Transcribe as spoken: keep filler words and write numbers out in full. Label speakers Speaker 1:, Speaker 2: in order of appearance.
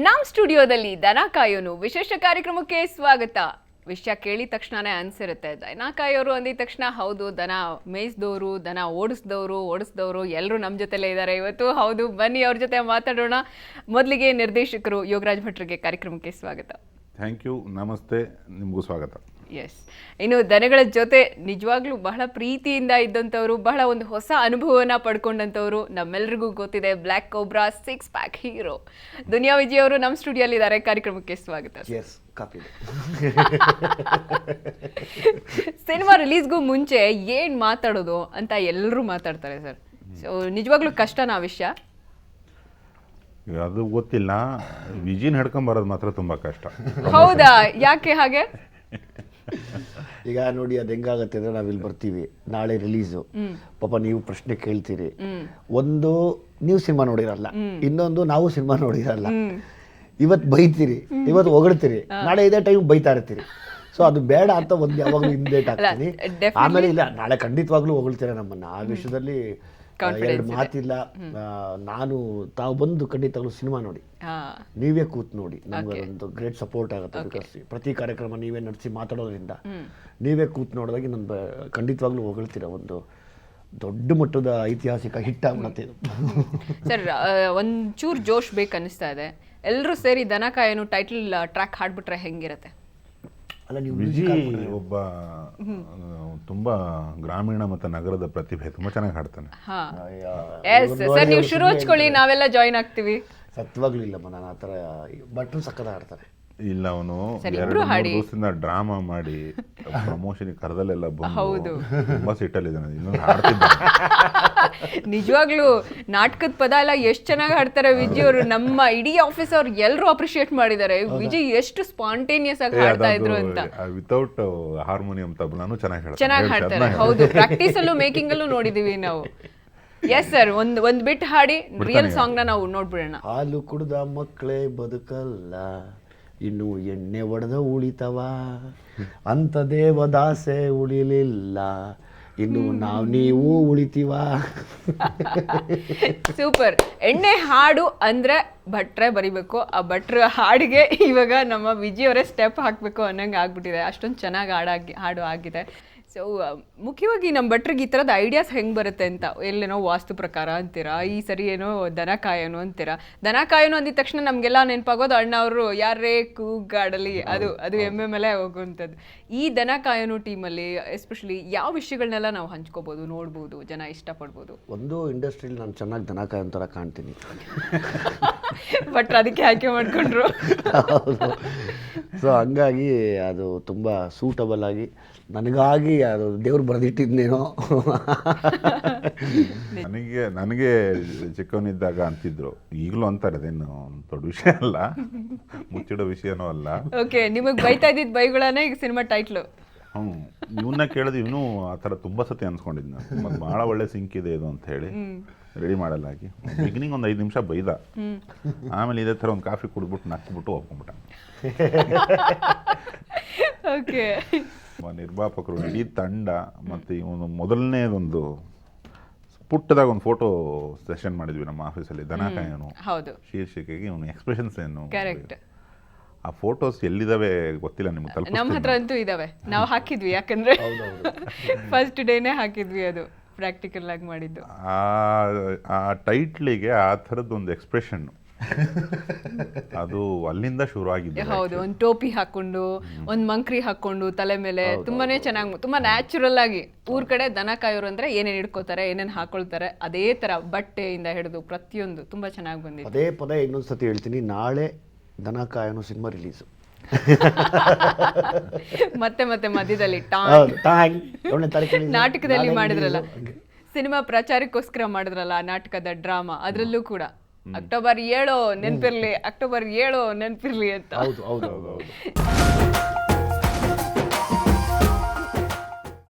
Speaker 1: ನಮ್ಮ ಸ್ಟುಡಿಯೋದಲ್ಲಿ ದನ ಕಾಯೋನು ವಿಶೇಷ ಕಾರ್ಯಕ್ರಮಕ್ಕೆ ಸ್ವಾಗತ. ವಿಷಯ ಕೇಳಿದ ತಕ್ಷಣನೇ ಅನ್ಸಿರುತ್ತೆ, ದನ ಕಾಯೋರು ಅಂದಿದ ತಕ್ಷಣ ಹೌದು ದನ ಮೇಯಿಸಿದವರು, ದನ ಓಡಿಸಿದವರು ಓಡಿಸಿದವರು ಎಲ್ಲರೂ ನಮ್ಮ ಜೊತೆಲೇ ಇದ್ದಾರೆ ಇವತ್ತು. ಹೌದು, ಬನ್ನಿ ಅವ್ರ ಜೊತೆ ಮಾತಾಡೋಣ. ಮೊದಲಿಗೆ ನಿರ್ದೇಶಕರು ಯೋಗರಾಜ್ ಭಟ್ರಿಗೆ ಕಾರ್ಯಕ್ರಮಕ್ಕೆ ಸ್ವಾಗತ.
Speaker 2: ಥ್ಯಾಂಕ್ ಯು, ನಮಸ್ತೆ, ನಿಮಗೂ ಸ್ವಾಗತ.
Speaker 1: ಎಸ್, ಇನ್ನು ದನಗಳ ಜೊತೆ ನಿಜವಾಗ್ಲೂ ಬಹಳ ಪ್ರೀತಿಯಿಂದ ಇದ್ದಂಥವ್ರು, ಬಹಳ ಒಂದು ಹೊಸ ಅನುಭವನ ಪಡ್ಕೊಂಡಂಥವ್ರು ನಮ್ಮೆಲ್ಲರಿಗೂ ಗೊತ್ತಿದೆ, black cobra six pack hero Duniya Vijay ಅವರು ನಮ್ಮ ಸ್ಟುಡಿಯೋಲ್ಲಿ ಇದ್ದಾರೆ. ಕಾರ್ಯಕ್ರಮಕ್ಕೆ ಸ್ವಾಗತ. ಸಿನಿಮಾ ರಿಲೀಸ್ಗೂ ಮುಂಚೆ ಏನ್ ಮಾತಾಡೋದು ಅಂತ ಎಲ್ಲರೂ ಮಾತಾಡ್ತಾರೆ ಸರ್. ಸೊ ನಿಜವಾಗ್ಲೂ ಕಷ್ಟನಾ ವಿಷಯ?
Speaker 2: ಅದು ಗೊತ್ತಿಲ್ಲ, ವಿಜಿನ್ ಹಿಡ್ಕೊಂಬರೋದು ಮಾತ್ರ ತುಂಬಾ ಕಷ್ಟ.
Speaker 1: ಹೌದಾ, ಯಾಕೆ ಹಾಗೆ?
Speaker 3: ಈಗ ನೋಡಿ, ಅದು ಹೆಂಗಾಗತ್ತೆ ಅಂದ್ರೆ ನಾವಿಲ್ಲಿ ಬರ್ತೀವಿ, ನಾಳೆ ರಿಲೀಸು, ಪಾಪ ನೀವು ಪ್ರಶ್ನೆ ಕೇಳ್ತೀರಿ. ಒಂದು ನೀವು ಸಿನಿಮಾ ನೋಡಿರಲ್ಲ, ಇನ್ನೊಂದು ನಾವು ಸಿನಿಮಾ ನೋಡಿರಲ್ಲ. ಇವತ್ತು ಬೈತೀರಿ, ಇವತ್ತು ಹೊಗಳ್ತೀರಿ, ನಾಳೆ ಇದೇ ಟೈಮ್ ಬೈತಾ ಇರ್ತೀರಿ. ಸೊ ಅದು ಬೇಡ ಅಂತ ಒಂದು ಯಾವಾಗಲೂ ಹಿಂದೇಟ್ ಹಾಕ್ತೀನಿ. ಆಮೇಲೆ ಇಲ್ಲ, ನಾಳೆ ಖಂಡಿತವಾಗ್ಲೂ ಹೊಗಳ್ತೀರ ನಮ್ಮನ್ನ. ಆ ವಿಷಯದಲ್ಲಿ ಎರಡು ಮಾತಿಲ್ಲ. ನಾನು ತಾವು ಬಂದು ಖಂಡಿತವಾಗ್ಲೂ ಸಿನಿಮಾ ನೋಡಿ, ನೀವೇ ಕೂತ್ ನೋಡಿ, ನಮ್ಗೆ ಒಂದು ಗ್ರೇಟ್ ಸಪೋರ್ಟ್ ಆಗುತ್ತೆ. ಬಿಕಾಸ್ ಪ್ರತಿ ಕಾರ್ಯಕ್ರಮ ನೀವೇ ನಡೆಸಿ ಮಾತಾಡೋದ್ರಿಂದ ನೀವೇ ಕೂತ್ ನೋಡಿದಾಗ ನನ್ನ ಖಂಡಿತವಾಗ್ಲೂ ಹೊಗಳ್ತೀರ. ಒಂದು ದೊಡ್ಡ ಮಟ್ಟದ ಐತಿಹಾಸಿಕ ಹಿಟ್ ಆಗ್ಬಿಡತ್ತೆ ಇದು.
Speaker 1: ಸರ್, ಒಂಚೂರು ಜೋಶ್ ಬೇಕು ಅನ್ನಿಸ್ತಾ ಇದೆ. ಎಲ್ಲರೂ ಸೇರಿ ದನ ಕಾಯೋನು ಟೈಟಲ್ ಟ್ರ್ಯಾಕ್ ಹಾಡ್ಬಿಟ್ರೆ ಹೆಂಗಿರತ್ತೆ?
Speaker 2: ವಿಜಿ ಒಬ್ಬ ತುಂಬಾ ಗ್ರಾಮೀಣ ಮತ್ತು ನಗರದ ಪ್ರತಿಭೆ, ತುಂಬಾ ಚೆನ್ನಾಗಿ ಹಾಡ್ತಾನೆ.
Speaker 1: ಸರ್, ನೀವು ಶುರು ಹಚ್ಕೊಳ್ಳಿ, ನಾವೆಲ್ಲ ಜಾಯಿನ್ ಆಗ್ತೀವಿ.
Speaker 3: ಸತ್ವಾಗ್ಲೂ ಇಲ್ಲಮ್ಮ, ನಾನು ಆ ಥರ ಭಟ್ರು ಸಕ್ಕದ ಹಾಡ್ತಾರೆ.
Speaker 2: ಇಲ್ಲ, ಅವನು ಎರಡು ಮೂರು ದಿವಸದಿಂದ ಡ್ರಾಮಾ ಮಾಡಿ ಪ್ರಮೋಷನ್ ಕರೆದಲ್ಲೆಲ್ಲ ಬಂದು ತುಂಬಾ ಸಿಟ್ಟಲ್ಲಿದ್ದಾನೆ. ಇನ್ನೊಂದು ಹಾಡ್ತಿದ್ದ.
Speaker 1: ನಿಜವಾಗ್ಲೂ ನಾಟಕದ ಪದ ಎಲ್ಲ ಎಷ್ಟು ಚೆನ್ನಾಗಿ ಹಾಡ್ತಾರೆ ವಿಜಯ್ ಅವರು. ನಮ್ಮ ಇಡೀ ಆಫೀಸ್ ಅವ್ರು ಎಲ್ಲರೂ ಅಪ್ರಿಶಿಯೇಟ್ ಮಾಡಿದ್ದಾರೆ, ವಿಜಯ್ ಎಷ್ಟು ಸ್ಪಾಂಟೇನಿಯಸ್ ಆಗಿ ಹಾಡ್ತಾ ಇದ್ರು ಅಂತ.
Speaker 2: ವಿತೌಟ್ ಹಾರ್ಮೋನಿಯಂ ತಬಲಾನು ಚೆನ್ನಾಗಿ
Speaker 1: ಚೆನ್ನಾಗಿ ಹಾಡ್ತಾರೆ. ಹೌದು, ಪ್ರಾಕ್ಟೀಸ್ ಅಲ್ಲೂ ಮೇಕಿಂಗ್ ಅಲ್ಲೂ ನೋಡಿದೀವಿ ನಾವು. ಎಸ್ ಸರ್, ಒಂದ್ ಒಂದ್ ಬಿಟ್ ಹಾಡಿ, ರಿಯಲ್ ಸಾಂಗ್ ನ ನಾವು ನೋಡ್ಬಿಡೋಣ.
Speaker 3: ಹಾಲು ಕುಡ್ದ ಮಕ್ಕಳೇ ಬದುಕಲ್ಲ, ಇನ್ನು ಎಣ್ಣೆ ಒಡೆದ ಉಳಿತವ, ಅಂತ ದೇವದಾಸೆ ಉಳಿಲಿಲ್ಲ, ಇನ್ನು ನಾವು ನೀವು ಉಳಿತೀವ.
Speaker 1: ಸೂಪರ್. ಎಣ್ಣೆ ಹಾಡು ಅಂದ್ರೆ ಭಟ್ರೆ ಬರಿಬೇಕು, ಆ ಭಟ್ರ ಹಾಡಿಗೆ ಇವಾಗ ನಮ್ಮ ವಿಜಯ್ ಅವರೇ ಸ್ಟೆಪ್ ಹಾಕಬೇಕು ಅನ್ನಂಗೆ ಆಗ್ಬಿಟ್ಟಿದೆ. ಅಷ್ಟೊಂದು ಚೆನ್ನಾಗಿ ಹಾಡಾಗಿ ಹಾಡು ಆಗಿದೆ. ಸೊ ಮುಖ್ಯವಾಗಿ ನಮ್ಮ ಭಟ್ರಿಗೆ ಈ ಥರದ ಐಡಿಯಾಸ್ ಹೆಂಗೆ ಬರುತ್ತೆ ಅಂತ, ಎಲ್ಲೇನೋ ವಾಸ್ತು ಪ್ರಕಾರ ಅಂತೀರಾ, ಈ ಸರಿ ಏನೋ ದನ ಕಾಯೋನು ಅಂತೀರಾ. ದನ ಕಾಯೋನು ಅಂದಿದ ತಕ್ಷಣ ನಮಗೆಲ್ಲ ನೆನಪಾಗೋದು ಅಣ್ಣ ಅವರು ಯಾರೇ ಕೂಗಾಡಲಿ ಅದು ಅದು ಎಮ್ಮೆ ಮೇಲೆ ಹೋಗುವಂಥದ್ದು. ಈ ದನ ಕಾಯೋನು ಟೀಮಲ್ಲಿ ಎಸ್ಪೆಷಲಿ ಯಾವ ವಿಷಯಗಳನ್ನೆಲ್ಲ ನಾವು ಹಂಚ್ಕೋಬೋದು, ನೋಡ್ಬೋದು, ಜನ ಇಷ್ಟಪಡ್ಬೋದು?
Speaker 3: ಒಂದು ಇಂಡಸ್ಟ್ರಿಯಲ್ಲಿ ನಾನು ಚೆನ್ನಾಗಿ ದನ ಕಾಯೋ ಥರ ಕಾಣ್ತೀನಿ.
Speaker 1: ಭಟ್ರು ಅದಕ್ಕೆ ಆಯ್ಕೆ ಮಾಡಿಕೊಂಡ್ರು.
Speaker 3: ಸೊ ಹಂಗಾಗಿ ಅದು ತುಂಬ ಸೂಟಬಲ್ ಆಗಿ ನನಗಾಗಿ ಅದು ದೇವ್ರು ಬರೆದಿಟ್ಟಿದ್ನೇನೋ.
Speaker 2: ನನಗೆ ನನಗೆ ಚಿಕ್ಕವನಿದ್ದಾಗ ಅಂತಿದ್ರು, ಈಗಲೂ ಅಂತಾರೆ, ಅದೇನು ದೊಡ್ಡ ವಿಷಯ ಅಲ್ಲ, ಮುಚ್ಚಿಡೋ ವಿಷಯನೂ ಅಲ್ಲ.
Speaker 1: ಓಕೆ, ನಿಮಗೆ ಬೈತಾ ಇದ್ದಿದ್ದು ಬೈಗಳನ್ನೇ ಈಗ ಸಿನಿಮಾ ಟೈಟ್ಲು.
Speaker 2: ಹ್ಞೂ, ಇವನ್ನ ಕೇಳಿದ್ರೆ ಇವನು ಆ ಥರ ತುಂಬ ಸತಿ ಅನ್ಸ್ಕೊಂಡಿದ್ನ, ಮತ್ತು ಭಾಳ ಒಳ್ಳೆ ಸಿಂಕ್ ಇದೆ ಇದು ಅಂತ ಹೇಳಿ ರೆಡಿ ಮಾಡಲಾಗಿ ಬಿಗಿನಿಂಗ್ ಒಂದು ಐದು ನಿಮಿಷ ಬೈದ, ಆಮೇಲೆ ಇದೇ ಥರ ಒಂದು ಕಾಫಿ ಕುಡಿದ್ಬಿಟ್ಟು ನಕ್ಬಿಟ್ಟು ಹೋಗ್ಕೊಂಬಿಟ್ಟ.
Speaker 1: ಓಕೆ,
Speaker 2: ನಿರ್ಮಾಪಕರು, ಇಡೀ ತಂಡ, ಮತ್ತು ಇವನು ಮೊದಲನೇದೊಂದು ಪುಟ್ಟದಾಗ ಒಂದು ಫೋಟೋ ಸೆಷನ್ ಮಾಡಿದ್ವಿ ನಮ್ಮ ಆಫೀಸಲ್ಲಿ, ದನ ಕಾಯೋನು ಶೀರ್ಷಿಕೆಗೆ. ಇವನು ಎಕ್ಸ್ಪ್ರೆಷನ್ಸ್ ಏನು, ಆ ಫೋಟೋಸ್ ಎಲ್ಲಿದಾವೆ ಗೊತ್ತಿಲ್ಲ ನಿಮ್ಗೆ, ತಲುಪ
Speaker 1: ನಮ್ಮ ಹತ್ರ ಅಂತೂ ಇದಾವೆ, ನಾವು ಹಾಕಿದ್ವಿ, ಯಾಕಂದ್ರೆ ಫಸ್ಟ್ ಡೇನೇ ಹಾಕಿದ್ವಿ, ಅದು ಪ್ರಾಕ್ಟಿಕಲ್ ಆಗಿ ಮಾಡಿದ್ದು.
Speaker 2: ಆ ಟೈಟ್ಲಿಗೆ ಆ ಥರದ್ದು ಒಂದು ಎಕ್ಸ್ಪ್ರೆಷನ್ ಅದು ಅಲ್ಲಿಂದ ಶುರು ಆಗಿದೆ.
Speaker 1: ಹೌದು, ಒಂದು ಟೋಪಿ ಹಾಕೊಂಡು, ಒಂದು ಮಂಕ್ರಿ ಹಾಕೊಂಡು ತಲೆ ಮೇಲೆ, ತುಂಬಾನೇ ಚೆನ್ನಾಗಿ, ತುಂಬಾ ನ್ಯಾಚುರಲ್ ಆಗಿ. ಊರ್ ಕಡೆ ದನ ಕಾಯೋರು ಅಂದ್ರೆ ಏನೇನ್ ಹಿಡ್ಕೋತಾರೆ, ಏನೇನ್ ಹಾಕೊಳ್ತಾರೆ, ಅದೇ ತರ ಬಟ್ಟೆಯಿಂದ ಹಿಡಿದು ಪ್ರತಿಯೊಂದು ತುಂಬಾ ಚೆನ್ನಾಗಿ ಬಂದಿದೆ.
Speaker 3: ಅದೇ ಪದ ಇನ್ನೊಂದ್ಸತಿ ಹೇಳ್ತೀನಿ, ನಾಳೆ ದನ ಕಾಯೋನು ಸಿನಿಮಾ ರಿಲೀಸು.
Speaker 1: ಮತ್ತೆ ಮತ್ತೆ ಮಧ್ಯದಲ್ಲಿ ನಾಟಕದಲ್ಲಿ ಮಾಡಿದ್ರಲ್ಲ, ಸಿನಿಮಾ ಪ್ರಚಾರಕ್ಕೋಸ್ಕರ ಮಾಡಿದ್ರಲ್ಲ ಆ ನಾಟಕದ ಡ್ರಾಮಾ, ಅದ್ರಲ್ಲೂ ಕೂಡ ಅಕ್ಟೋಬರ್ ಏಳು ನೆನ್ಪಿರ್ಲಿ, ಅಕ್ಟೋಬರ್ ಏಳು ನೆನ್ಪಿರ್ಲಿ ಅಂತ.
Speaker 3: ಹೌದು ಹೌದು ಹೌದು.